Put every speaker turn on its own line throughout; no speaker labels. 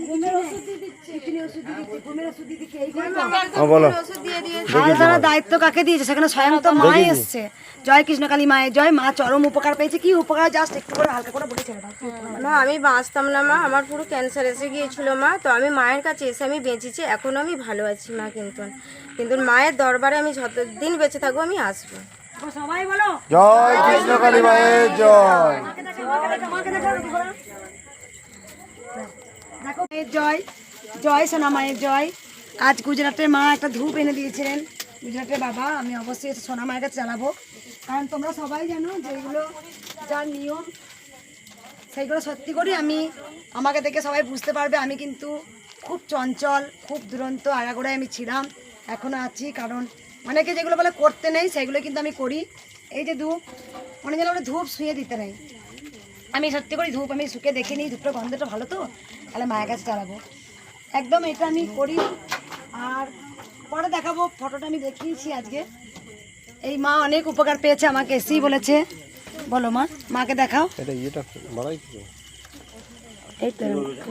দায়িত্ব কাকে দিয়েছে সেখানে স্বয়ং তো মাই এসছে। জয় কৃষ্ণকালী মায়ের জয়। মা চরম উপকার পেয়েছে। কি উপকার জাস্ট একটু করে হালকা করে বলেছে।
মা আমি বাঁচতাম না মা, আমার পুরো ক্যান্সার এসে গিয়েছিল মা, তো আমি মায়ের কাছে এসে আমি বেঁচেছি, এখন আমি ভালো আছি মা। কিন্তু মায়ের দরবারে আমি যতদিন বেঁচে থাকবো আমি আসবো।
সবাই বলো
জয় কৃষ্ণকালী মায়ের জয়।
দেখো মায়ের জয়, জয় সোনা মায়ের জয়। আজ গুজরাটের মা একটা ধূপ এনে দিয়েছিলেন, গুজরাটের বাবা। আমি অবশ্যই সোনা মায়ের কাছে চালাবো, কারণ তোমরা সবাই জানো যেগুলো যার নিয়ম সেইগুলো সত্যি করি আমি। আমাকে দেখে সবাই বুঝতে পারবে আমি কিন্তু খুব চঞ্চল, খুব দুরন্ত, আগাগোড়ায় আমি ছিলাম, এখনও আছি। কারণ অনেকে যেগুলো বলে করতে নেই সেগুলো কিন্তু আমি করি। এই যে ধূপ, অনেক যেন ধূপ শুয়ে দিতে নেই, আমি সত্যি করি ধূপ আমি শুকে দেখে নিই, ধূপটা গন্ধটা ভালো তো, তাহলে মায়ের কাছে চালাবো একদম, এটা আমি করি। আর পরে দেখাবো, ফটোটা আমি দেখিয়েছি আজকে। এই মা অনেক উপকার পেয়েছে, আমাকে এসেই বলেছে। বলো মা, মাকে দেখাও। এই তো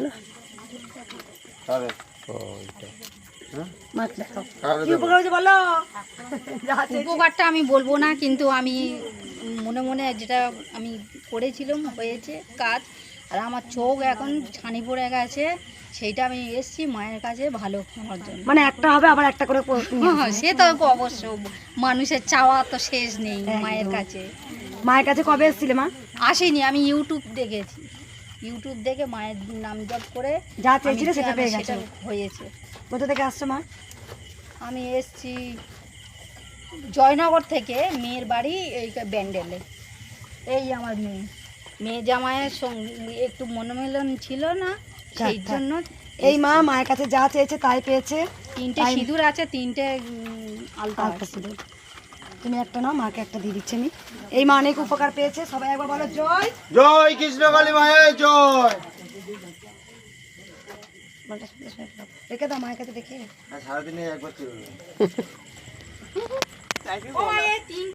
মাকে দেখাও কি উপকার হয়েছে বলো।
উপকারটা আমি বলবো না, কিন্তু আমি মনে মনে যেটা আমি করেছিলাম হয়েছে কাজ। আর আমার চোখ এখন ছানি পড়ে গেছে, সেইটা আমি এসছি মায়ের কাছে ভালো হওয়ার জন্য।
মানে একটা হবে আবার একটা করে
হ্যাঁ, সে তো অবশ্য মানুষের চাওয়া তো শেষ নেই মায়ের কাছে।
মায়ের কাছে কবে এসেছিলে মা?
আসেনি, আমি ইউটিউব দেখেছি, ইউটিউব দেখে মায়ের নাম জপ করে
যা চেয়েছিলে সেটা পেয়ে গেছে,
হয়েছে।
কোথা থেকে আসছো মা?
আমি এসছি জয়নগর থেকে, মেয়ের বাড়ি এই ব্যান্ডেলে। এই আমার মেয়ে জামাইয়ের সঙ্গে একটু মনোমিলন ছিল না, সেই জন্য।
এই মা মায়ের কাছে যা চেয়েছে তাই পেয়েছে।
3টে সিঁদুর আছে, 3টে আলতা
সিঁদুর। তুমি একটা নাও, মাকে একটা দিয়ে দিচ্ছি আমি। এই মা অনেক উপকার পেয়েছে, সবাই একবার বলো জয়
জয় কৃষ্ণকালী মায়ের জয়।
রেখে দাও মায়ের কাছে দেখে।
সারাদিনে একবার